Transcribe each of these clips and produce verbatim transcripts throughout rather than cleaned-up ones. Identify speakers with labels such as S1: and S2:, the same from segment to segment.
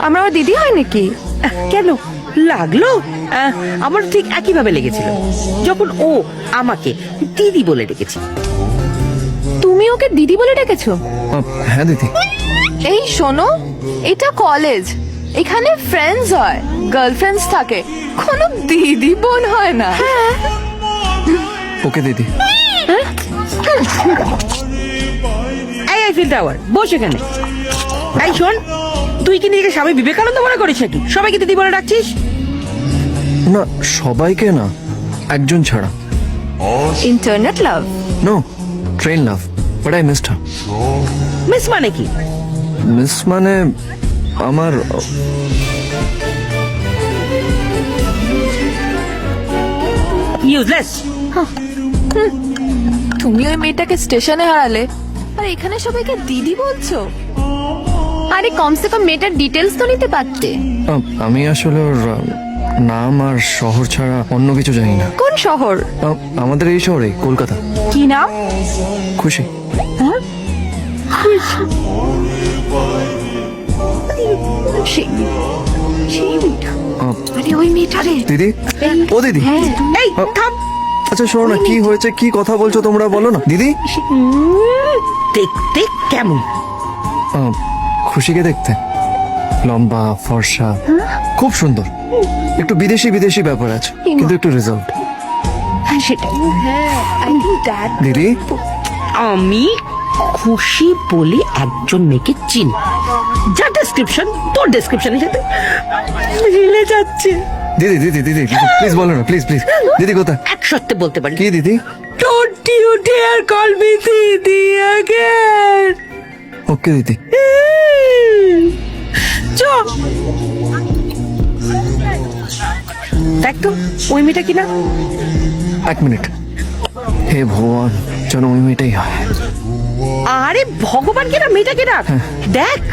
S1: আমরা ওর দিদি হয় নাকি?
S2: কেন লাগলো? আহ, আমার ঠিক একই ভাবে লেগেছিল যখন ও আমাকে দিদি বলে ডেকেছে।
S1: তুমি ওকে দিদি বলে ডেকেছো?
S3: আহ, হ্যাঁ দিদি।
S1: এই শোনো, এটা কলেজ, এখানে ফ্রেন্ডস হয়, গার্লফ্রেন্ডস থাকে, কোনো দিদি বোন হয় না।
S3: ওকে দিদি।
S2: এই আইফিল টাওয়ার বস এখানে। এই শোন, তুই কি নিজেকে স্বামী বিবেকানন্দ মনে করিস নাকি সবাইকে দিদি বলে ডাকছিস?
S3: না সবাইকে না, একজন ছাড়া।
S1: Internet love?
S3: No, train love, but I missed her.
S2: Miss মানে কি?
S3: মিস মানে আমার
S2: ইউজলেস।
S1: তুমি ওই মেয়েটাকে স্টেশনে হারালে আর এখানে সবাইকে দিদি বলছো? আরে কমসে কম মেয়েটার ডিটেলস তো নিতে পারতে।
S3: আহ, আমি আসলে ওর আহ, নাম আর শহর ছাড়া অন্য কিছু জানি না।
S1: কোন শহর?
S3: আহ, আমাদের এই শহরে, কলকাতা।
S1: কি নাম?
S3: খুশি।
S1: সেই সেই মেয়েটা।
S3: আহ,
S1: আরে ওই মেয়েটা রে।
S3: দিদি, ও দিদি।
S1: হ্যাঁ।
S2: এই থাম।
S3: আচ্ছা শোনো না, কি হয়েছে, কি কথা বলছো তোমরা, বলো না দিদি।
S2: দেখতে কেমন?
S3: আহ, খুশিকে দেখতে লম্বা ফর্সা, খুব সুন্দর, একটু বিদেশি বিদেশি ব্যাপার আছে, কিন্তু একটু রেজাল্ট।
S1: হ্যাঁ সেটাই। হ্যাঁ আই থিংক দ্যাট।
S3: দিদি,
S2: আমি খুশি বলে একজন মেয়েকে চিনি, যা ডেসক্রিপশন তোর ডেসক্রিপশনের সাথে মিলে যাচ্ছে।
S3: দিদি দিদি দিদি প্লিজ বলো না, প্লিজ প্লিজ। দিদি কোথায়?
S2: এক সত্যি বলতে পারি।
S3: কি দিদি?
S2: Don't you dare call me দিদি again.
S3: ওকে দিদি।
S2: চ দেখ তো ওই মেয়েটা কিনা।
S3: এক মিনিট, হে ভগবান, যেন ওই মেয়েটাই হয়।
S2: আরে ভগবান কিনা, মেয়েটা কিনা দেখ।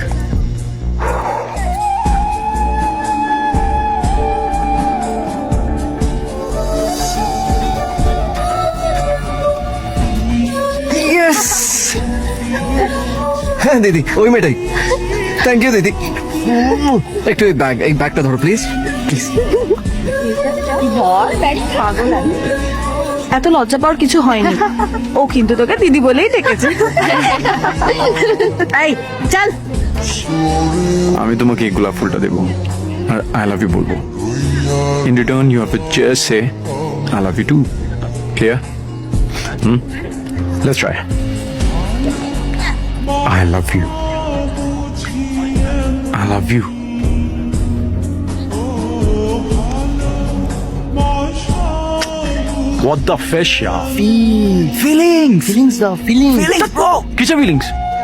S3: ইয়েস, হ্যাঁ দিদি ওই মেয়েটাই। থ্যাংক ইউ দিদি। একটু এই ব্যাগ, এই ব্যাগটা ধরো প্লিজ প্লিজ।
S1: এত লজ্জা পাওয়ার কিছু হয়নি, ও কিন্তু তোকে দিদি বলেই ডেকেছে।
S2: এই চল।
S4: আমি তোমাকে এই গোলাপ ফুলটা দেবো আর আই লাভ ইউ বলবো। In return you have to just say I love you two. Clear? Hmm, let's try. I love you, I love you. What the fish, yeah?
S3: Feelings feelings দাও, ফিলিংস।
S4: Feelings, bro. কিসের feelings?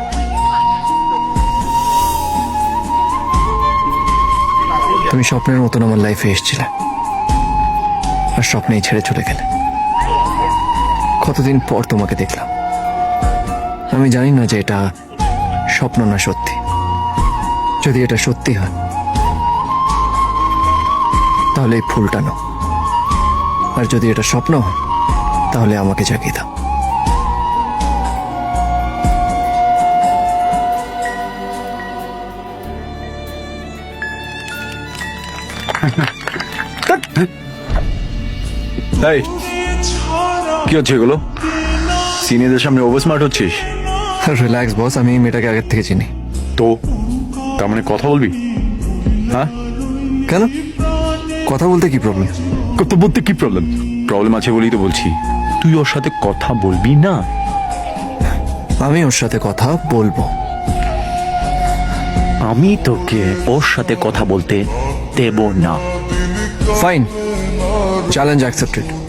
S3: তুমি স্বপ্নের মতন আমার লাইফে এসেছিলে আর স্বপ্নেই ছেড়ে চলে গেলে। কতদিন পর তোমাকে দেখলাম। আমি জানি না যে এটা স্বপ্ন না সত্যি। যদি এটা সত্যি হয় তাহলে এই ফুলটা নাও, আর যদি এটা স্বপ্ন হয় তাহলে আমাকে জাগিয়ে দাও।
S4: এই, কি হচ্ছে এগুলো? সিনিয়রদের সামনে ওভার স্মার্ট হচ্ছিস
S3: রিল্যাক্স বস, আমি এই মেয়েটাকে আগের থেকে চিনি।
S4: তো? তার মানে কথা বলবি? হ্যাঁ,
S3: কেন, কথা বলতে কি প্রবলেম?
S4: কথা বলতে কি প্রবলেম? প্রবলেম আছে বলেই তো বলছি, তুই ওর সাথে কথা বলবি না?
S3: আমি ওর সাথে কথা বলবো।
S5: আমি তোকে ওর সাথে কথা বলতে দেব না।
S3: Fine, challenge accepted.